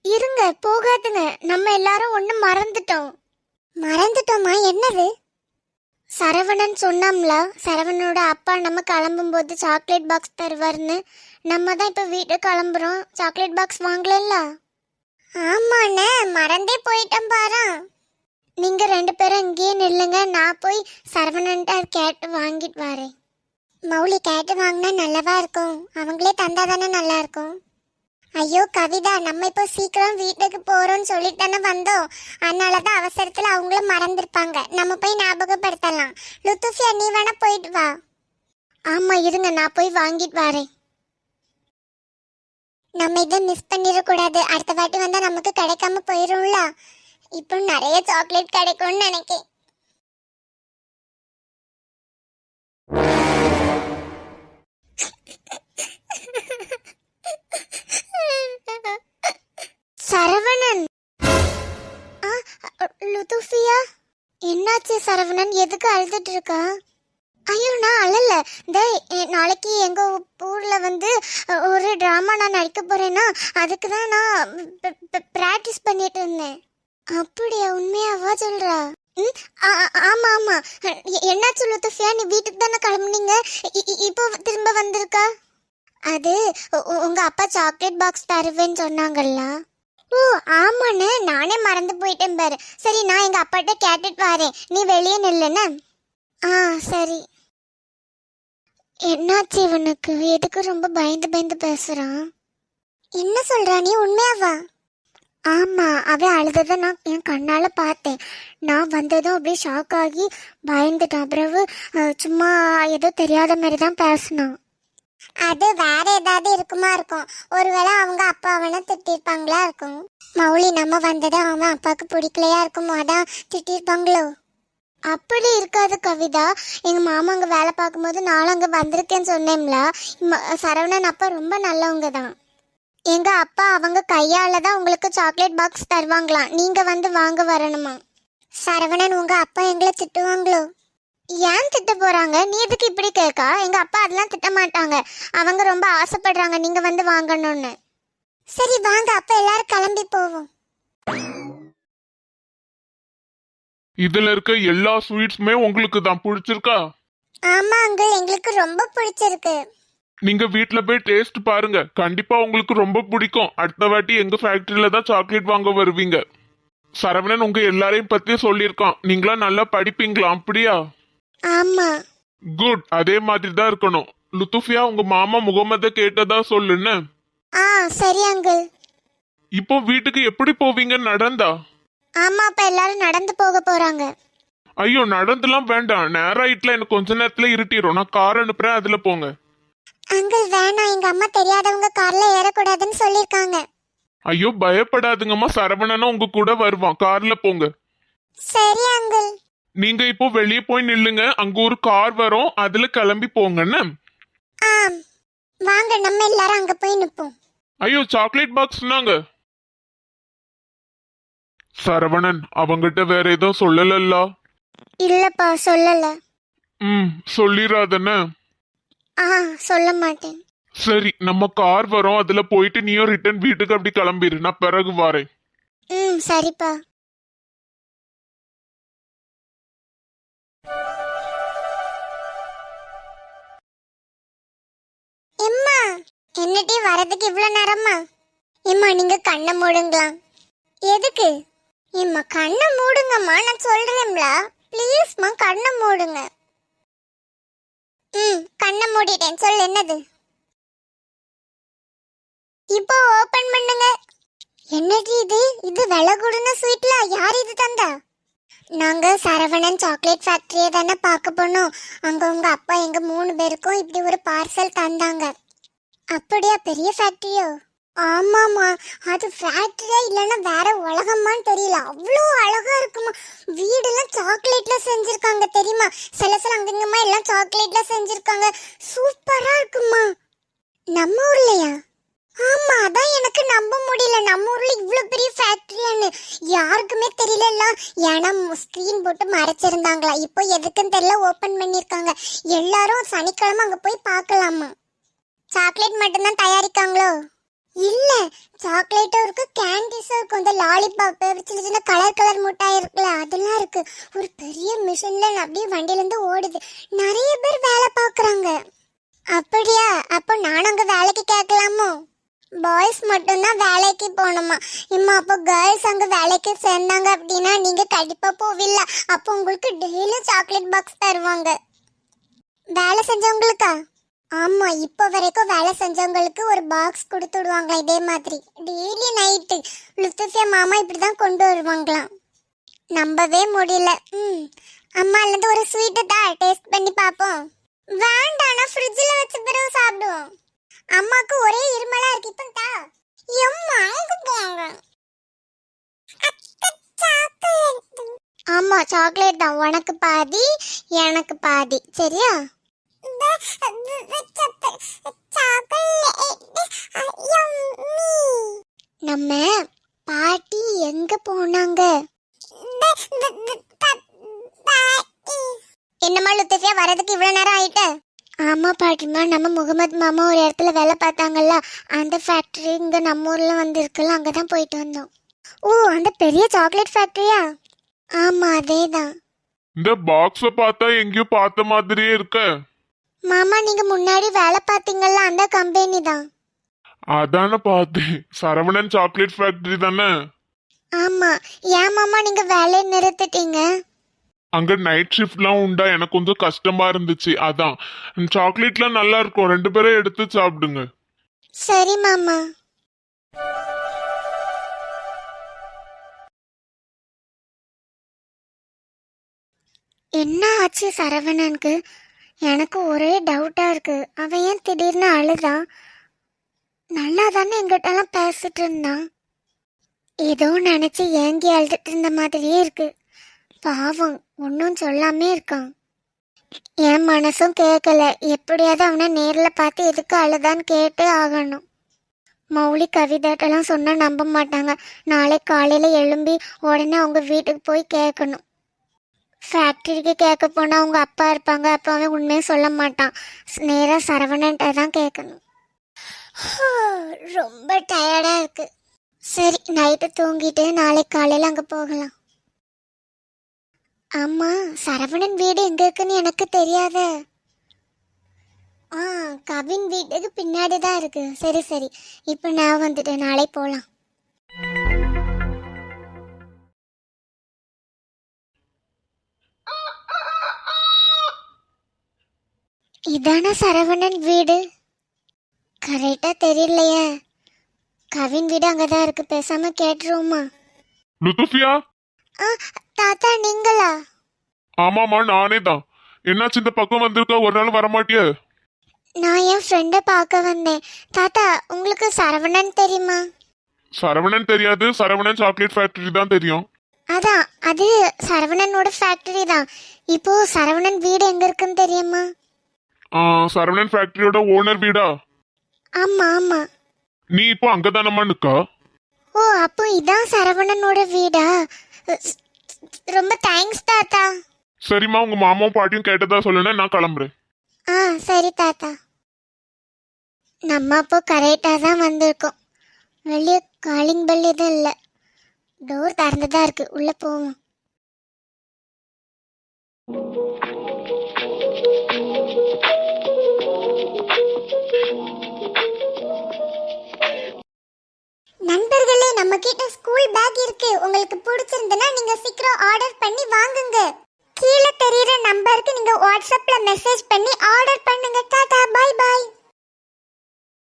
இருங்க, போகாதுங்க. நம்ம எல்லாரும் ஒண்ணு மறந்துட்டோம். மறந்துட்டோமா? என்னது? சரவணன் சொன்னாம்ல, சரவணனோட அப்பா நம்ம கிளம்பும்போது சாக்லேட் பாக்ஸ் தருவார்னு. நம்ம தான் இப்ப வீட்டுக்கு கிளம்புறோம், சாக்லேட் பாக்ஸ் வாங்கலல்ல. ஆமாண்ணே, மறந்தே போயிட்டேன் பாரு. நீங்க 2 பேரும் இங்கேயே நில்லுங்க, நான் போய் சரவணன்ட்ட கேட்டு வாங்கிட்டு வரேன். மௌலி, கேட்டு வாங்கினா நல்லவா இருக்கும், அவங்களே தந்தா தானே நல்லா இருக்கும். ஐயோ கவிதா, நம்ம இப்போ சீக்கிரம் வீட்டுக்கு போறோம்னு சொல்லிட்டு தானே வந்தோம். அதனாலதான் அவசரத்துல அவங்களும் மறந்துருப்பாங்க. நம்ம போய் ஞாபகப்படுத்தலாம். லுத்துஃபியா, நீ வேணா போயிட்டு வா. ஆமா இருங்க, நான் போய் வாங்கிட்டு வரேன். நம்ம இதை மிஸ் பண்ணிடக்கூடாது. அடுத்த வாட்டி வந்தா நமக்கு கிடைக்காம போயிரும்ல. இப்போ நிறைய சாக்லேட் கிடைக்கும்னு நினைக்கிறேன். சரவணன், லுத்துஃபியா, என்னாச்சு சரவணன்? எதுக்கு அழுதுட்டு இருக்கா? ஐயோ நான் அழல. நாளைக்கு எங்க ஊர்ல வந்து ஒரு டிராமா நான் நடிக்க போறேன்னா அதுக்கு தான் நான் பிராக்டிஸ் பண்ணிட்டு இருந்தேன். அப்படியா? உண்மையாவா சொல்றா? ஆமா ஆமா. என்னாச்சு லுத்துஃபியா, நீ வீட்டுக்கு தானே கிளம்புனீங்க, இப்போ திரும்ப வந்திருக்கா? அது உங்க அப்பா சாக்லேட் பாக்ஸ் தருவேன்னு சொன்னாங்கல்ல. ஓ ஆமாண்ணே, நானே மறந்து போயிட்டேன் பாரு. சரி, நான் எங்க அப்பாட்ட கேட்டுட்டு வரேன், நீ வெளியே நில்லுன்னு. சரி. என்னாச்சு இவனுக்கு? எதுக்கு ரொம்ப பயந்து பயந்து பேசுறான்? என்ன சொல்றா நீ? உண்மையாவா? ஆமா, அவன் அழுததை நான் என் கண்ணால பார்த்தேன். நான் வந்ததும் அப்படியே ஷாக் ஆகி பயந்துட்டான். பிறகு சும்மா ஏதோ தெரியாத மாதிரி தான் பேசினான். அது வேற ஏதாவது இருக்குமா இருக்கும். ஒருவேளை அவங்க அப்பா அவனை திட்டிருப்பாங்களா இருக்கும். மௌலி, நம்ம வந்தது அவன் அப்பாவுக்கு பிடிக்கலையா இருக்கும், அதான் திட்டிருப்பாங்களோ. அப்படி இருக்காது கவிதா. எங்க மாமா அங்க வேலை பார்க்கும்போது நானும் அங்க வந்திருக்கேன்னு சொன்னேன்ல. சரவணன் அப்பா ரொம்ப நல்லவங்க தான். எங்க அப்பா அவங்க கையால தான் உங்களுக்கு சாக்லேட் பாக்ஸ் தருவாங்களாம், நீங்க வந்து வாங்க வரணுமா. சரவணன், உங்க அப்பா எங்களை திட்டுவாங்களோ? ஏன் திட்ட போறாங்க? நீ எதுக்கு இப்படி கேட்கா? எங்க அப்பா அதெல்லாம் திட்ட மாட்டாங்க. அவங்க ரொம்ப ஆசைப்படுறாங்க நீங்க வந்து வாங்கணும்னு. சரி வாங்க, அப்ப எல்லாரும் கிளம்பி போவோம். இதுல இருக்க எல்லா ஸ்வீட்ஸுமே உங்களுக்கு தான் பிடிச்சிருக்கா? ஆமா அங்கிள், எங்களுக்கு ரொம்ப பிடிச்சிருக்கு. நீங்க வீட்ல போய் டேஸ்ட் பாருங்க, கண்டிப்பா உங்களுக்கு ரொம்ப பிடிக்கும். அடுத்த வாட்டி எங்க ஃபேக்டரியில தான் சாக்லேட் வாங்க வருவீங்க. சரவணன் உங்க எல்லாரையும் பத்தி சொல்லியிருக்கான், நீங்களா நல்லா படிப்பீங்களா? அப்படியா? ஆமா. குட், அதே மாதிரி தான் இருக்கணும். லுத்துஃபியா, உங்க மாமா முகமத கேட்டதா சொல்லுன்னு. சரி அங்கிள். இப்போ வீட்டுக்கு எப்படி போவீங்க? நடந்தா? ஆமா, அப்ப எல்லாரும் நடந்து போக போறாங்க. ஐயோ நடந்துலாம் வேண்டாம், நேராயிட்டுல எனக்கு கொஞ்ச நேரத்துல இருட்டிடும். நான் கார் அனுப்புறேன், அதுல போங்க. அங்கிள் வேணாம், எங்க அம்மா தெரியாதவங்க கார்ல ஏறக்கூடாதுன்னு சொல்லிருக்காங்க. ஐயோ பயப்படாதுங்கம்மா, சரவணனும் உங்க கூட வருவான், கார்ல போங்க. சரி அங்கிள். நீங்க இப்போ வெளியே போய் நில்லுங்க, அங்க ஒரு கார் வரும், அதுல கிளம்பி போங்கன்னு. வாங்க, நம்ம எல்லாரும் அங்க போய் நிப்போம். ஐயோ சாக்லேட் பாக்ஸ்னாங்க. சரவணன் அவங்கிட்ட வேற ஏதோ சொல்லல? இல்லப்பா, சொல்லல. சொல்லிராதன்னு. சொல்ல மாட்டேன். சரி, நம்ம கார் வரும், அதுல போயிட்டு நீயும் ரிட்டர்ன் வீட்டுக்கு அப்படி கிளம்பிரு, நான் பிறகு வரேன். சரிப்பா. எம்மா, என்னடி வரதுக்கு இவ்வளவு நேரமா? எம்மா, நீங்க கண்ணை மூடுங்களா? எதுக்கு? எம்மா கண்ணை மூடுங்கம்மா, நான் சொல்றேன்ல. ப்ளீஸ்மா கண்ணை மூடுங்க. கண்ணை மூடிட்டேன். சொல்லு, என்னது? இப்போ ஓபன் பண்ணுங்க. என்னடி இது? இது விலை கூடுன ஸ்வீட்ல யார் இது தந்தா? நாங்க சரவணன் சாக்லேட் ஃபேக்டரியை தானே பார்க்க போனோம். அங்க உங்க அப்பா எங்க 3 பேருக்கும் இப்படி ஒரு பார்சல் தந்தாங்க. அப்படியா? பெரிய ஃபேக்டரியோ? ஆமாமா, அது ஃபேக்டரியா இல்லைன்னா வேற உலகமான்னு தெரியல. அவ்வளோ அழகா இருக்குமா. வீடெல்லாம் சாக்லேட்ல செஞ்சிருக்காங்க தெரியுமா? சில அங்கங்கமா எல்லாம் சாக்லேட்ல செஞ்சிருக்காங்க. சூப்பரா இருக்குமா. நம்ம ஊர்லயா? ஆமா, அதான் எனக்கு நம்ப முடியல. நம்ம ஊர்ல இவ்வளவு பெரிய ஃபேக்டரியான்னு யாருக்குமே தெரியல. ஏன்னா ஸ்கிரீன் போட்டு மறைச்சிருந்தாங்களா. இப்போ எதுக்குன்னு தெரியல, ஓபன் பண்ணிருக்காங்க. எல்லாரும் சனிக்கிழமை அங்க போய் பார்க்கலாமா. சாக்லேட் மட்டும்தான் தயாரிக்காங்களோ? இல்ல, சாக்லேட்டும் இருக்கு, கேண்டிஸும் இருக்கும். இந்த லாலிபாப், சின்ன சின்ன கலர் கலர் மிட்டாய் இருக்குல்ல, அதெல்லாம் இருக்கு. ஒரு பெரிய மிஷின்ல அப்படியே வண்டியில இருந்து ஓடுது. நிறைய பேர் வேலை பார்க்கறாங்க. அப்படியா? அப்போ நானும் அங்க வேலைக்கு கேட்கலாமோ? பாய்ஸ் மட்டும்தான் வேலைக்கு போகணுமா? இம்மா, அப்போ கேர்ள்ஸ் அங்க வேலைக்கு சேர்ந்தாங்க அப்படின்னா நீங்க கண்டிப்பா போவில்ல. அப்போ உங்களுக்கு டெய்லி சாக்லேட் பாக்ஸ் தருவாங்க. வேலை செஞ்சவங்களுக்கா? ஆமா, இப்போ வரைக்கும் வேலை செஞ்சவங்களுக்கு ஒரு பாக்ஸ் கொடுத்து விடுவாங்க. இதே மாதிரி டெய்லி நைட்டு லுத்துஃபியா மாமா இப்படிதான் கொண்டு வருவாங்களாம். நம்பவே முடியல. அம்மால இருந்து ஒரு ஸ்வீட்டை தான் டேஸ்ட் பண்ணி பார்ப்போம். வேண்டாம், நான் ஃப்ரிட்ஜில் வச்ச பிறகு சாப்பிடுவோம். அம்மாக்கு ஒரே இருமலா இருக்கு. இப்போ தா. எம்மா, அங்க போங்க. ஆமா, சாக்லேட் தான். உனக்கு பாதி, எனக்கு பாதி. சரியா? நம்ம பாட்டி எங்க போனாங்க? என்னம்மா லுத்துஃபியா, வரதுக்கு இவ்வளவு நேரம் ஆயிட்டு? ஆமா பாட்டிமா, நம்ம முகமது மாமா ஒரு இடத்துல வேலை பார்த்தாங்கல்ல, அந்த ஃபேக்டரி இங்க நம்ம ஊர்ல வந்து இருக்குல்ல, அங்கதான் போயிட்டு வந்தோம். ஓ, அந்த பெரிய சாக்லேட் ஃபேக்டரியா? ஆமா, அதேதான். இந்த பாக்ஸ பார்த்தா எங்கேயோ பார்த்த மாதிரியே இருக்க. மாமா, நீங்க முன்னாடி வேலை பார்த்தீங்கல்ல, அந்த கம்பெனி தான். அதானே பார்த்தேன். சரவணன் சாக்லேட் ஃபேக்டரி தானே? ஆமா. ஏன் மாமா நீங்க வேலையை நிறுத்திட்டீங்க? அங்க நைட் ஷிஃப்ட்லாம் உண்டா, எனக்கு கொஞ்சம் கஷ்டமா இருந்துச்சு. அதான். சாக்லேட்லாம் நல்லா இருக்கும், 2 பேரும் எடுத்து சாப்பிடுங்க. சரி மாமா. என்ன ஆச்சு சரவணனுக்கு? எனக்கு ஒரே டவுட்டா இருக்கு. அவன் ஏன் திடீர்னு அழுதான்? நல்லா தானே எங்கிட்டலாம் பேசிட்டு இருந்தான். ஏதோ நினைச்சு ஏங்கி அழுதுட்டு இருந்த மாதிரியே இருக்கு. பாவம், ஒன்றும் சொல்லாமே இருக்கான். என் மனசும் கேட்கல. எப்படியாவது அவனை நேரில் பார்த்து எதுக்கு அழுதான்னு கேட்டு ஆகணும். மௌலி கவிதாட்டெல்லாம் சொன்னால் நம்ப மாட்டாங்க. நாளை காலையில் எழும்பி உடனே அவங்க வீட்டுக்கு போய் கேட்கணும். ஃபேக்ட்ரிக்கு கேட்க போனால் அவங்க அப்பா இருப்பாங்க. அப்போ அவன் உண்மையை சொல்ல மாட்டான். நேராக சரவணன்ட்ட தான் கேட்கணும். ரொம்ப டயர்டாக இருக்கு. சரி, நைட்டு தூங்கிட்டு நாளை காலையில் அங்கே போகலாம். ஆமா, சரவணன் வீடு எங்க இருக்குன்னு எனக்கு தெரியாத. கவின் வீட்டுக்கு பின்னாடி தான் இருக்கு. சரி சரி, இப்போ நான் வந்துட்டேன். நாளை போலாம். இதான சரவணன் வீடு? கரெக்டா தெரியலையே. கவின் வீடு அங்கதான் இருக்கு. பேசாம கேட்டுருவோமா? லுத்துஃபியா? தாத்தா, நீங்களா? ஆமாமா, நானே தான். என்னாச்சு, இந்த பக்கம் வந்திருக்க? ஒரு நாள் வரமாட்டிய? நான் என் ஃப்ரெண்டை பார்க்க வந்தேன். தாத்தா, உங்களுக்கு சரவணன் தெரியுமா? சரவணன் தெரியாது, சரவணன் சாக்லேட் ஃபேக்டரி தான் தெரியும். அதான், அது சரவணனோட ஃபேக்டரி தான். இப்போ சரவணன் வீடு எங்க இருக்குன்னு தெரியுமா? சரவணன் ஃபேக்டரியோட ஓனர் வீடா? ஆமா ஆமா. நீ இப்போ அங்கதானம்மா நிக்கா? ஓ, அப்போ இதான் சரவணனோட வீடா? ரொம்ப தேங்க்ஸ் தாத்தா. சரிம்மா, உங்க மாமாவும் பாட்டியும் கேட்டதா சொல்லுங்க, நான் கிளம்புறேன். சரி தாத்தா. நம்ம அப்போ கரெக்டாக தான் வந்திருக்கோம். வெளியே காலிங் பெல் எதுவும் இல்லை. டோர் திறந்துதான் இருக்கு. உள்ள போவோம். நண்பர்களே, நம்ம கிட்ட ஸ்கூல் பேக் இருக்கு. உங்களுக்கு பிடிச்சிருந்தனா நீங்க சீக்கிரம் ஆர்டர் பண்ணி வாங்குங்க. கீழே தெரியுற நம்பருக்கு நீங்க வாட்ஸ்அப்ல மெசேஜ் பண்ணி ஆர்டர் பண்ணுங்க. டாடா, பை பை.